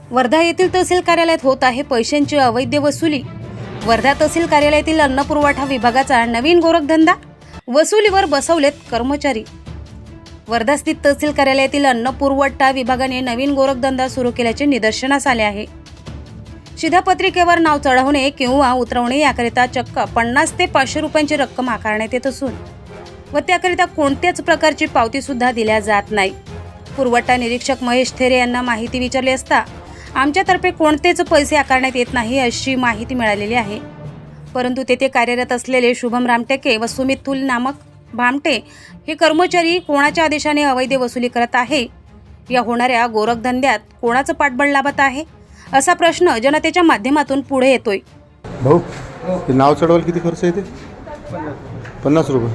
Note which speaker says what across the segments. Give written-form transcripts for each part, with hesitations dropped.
Speaker 1: वर्धा येथील तहसील कार्यालयात होत आहे पैशांची अवैध वसुली। वर्धा तहसील कार्यालयातील अन्न पुरवठा विभागाचा नवीन गोरखधंदा, वसुलीवर बसवलेत कर्मचारी। वर्धा स्थित तहसील कार्यालयातील अन्न पुरवठा विभागाने नवीन गोरखधंदा सुरू केल्याचे निदर्शनास आले आहे। शिधापत्रिकेवर नाव चढवणे किंवा उतरवणे याकरिता चक्क 50 ते 500 रुपयांची रक्कम आकारण्यात येत असून व त्याकरिता कोणत्याच प्रकारची पावती सुद्धा दिल्या जात नाही। पुरवठा निरीक्षक महेश थेरे यांना माहिती विचारली असता आमच्यातर्फे कोणतेच पैसे आकारण्यात येत नाही अशी माहिती मिळालेली आहे। परंतु तेथे कार्यरत असलेले शुभम रामटेके व सुमित थुल नामक भामटे हे कर्मचारी कोणाच्या आदेशाने अवैध वसुली करत आहे? या होणाऱ्या गोरखधंद्यात कोणाचं पाठबळ लाभत आहे असा प्रश्न जनतेच्या माध्यमातून पुढे येतोय।
Speaker 2: भाऊ, हे नाव चढवायला किती खर्च येते? 50 रुपये।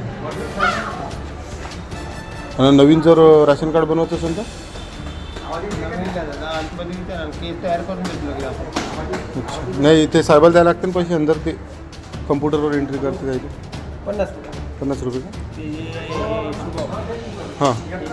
Speaker 2: आणि नवीन जर राशन कार्ड बनवायचं असेल तर नाही, ते साहेबाला द्यायला लागते ना पैसे, अंदर ते कम्प्युटरवर एंट्री करते जायचे 50 रुपये का? हां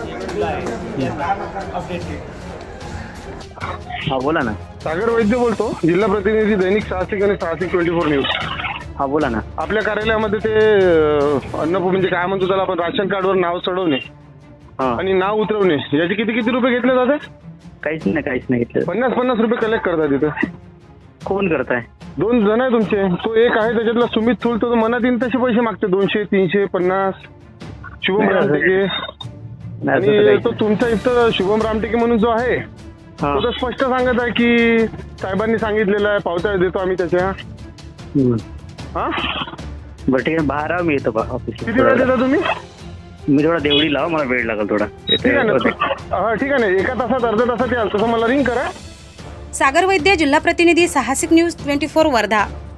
Speaker 3: हा बोला ना।
Speaker 2: सागर वैद्य बोलतो, जिल्हा प्रतिनिधी, दैनिक साहसिक आणि साहसिक 24 न्यूज।
Speaker 3: हा बोला ना।
Speaker 2: आपल्या कार्यालयामध्ये ते अन्न म्हणजे काय म्हणतो त्याला आपण, राशन कार्डवर नाव चढवणे आणि नाव उतरवणे याचे किती किती रुपये घेतले जातात?
Speaker 3: काहीच नाही घेतलं।
Speaker 2: 50 रुपये कलेक्ट करतात तिथं।
Speaker 3: कोण करताय?
Speaker 2: 2 जण आहे तुमचे, तो एक आहे त्याच्यातला सुमित थुल, तो मनात येईल तसे पैसे मागते, 200, 300, 50। शुभम रामटेके आणि तो तुमचा इथं शुभम रामटेके म्हणून जो आहे तो तर स्पष्ट सांगत आहे की साहेबांनी सांगितलेलं आहे, पावत्या देतो आम्ही त्याच्या। हा
Speaker 3: बरं ठीक आहे, बाहेर आहो, मी येतो ऑफिसला।
Speaker 2: किती वेळ देता तुम्ही?
Speaker 3: मी थोडा देवडी लावा, मला वेळ लागेल थोडा।
Speaker 2: ठीक आहे ना, हा ठीक आहे ना, एका तासात अर्ध्या तासात याल, तसं मला रिंग करा।
Speaker 1: सागर वैद्य, जिल्हा प्रतिनिधी, साहसिक न्यूज 24 वर्धा।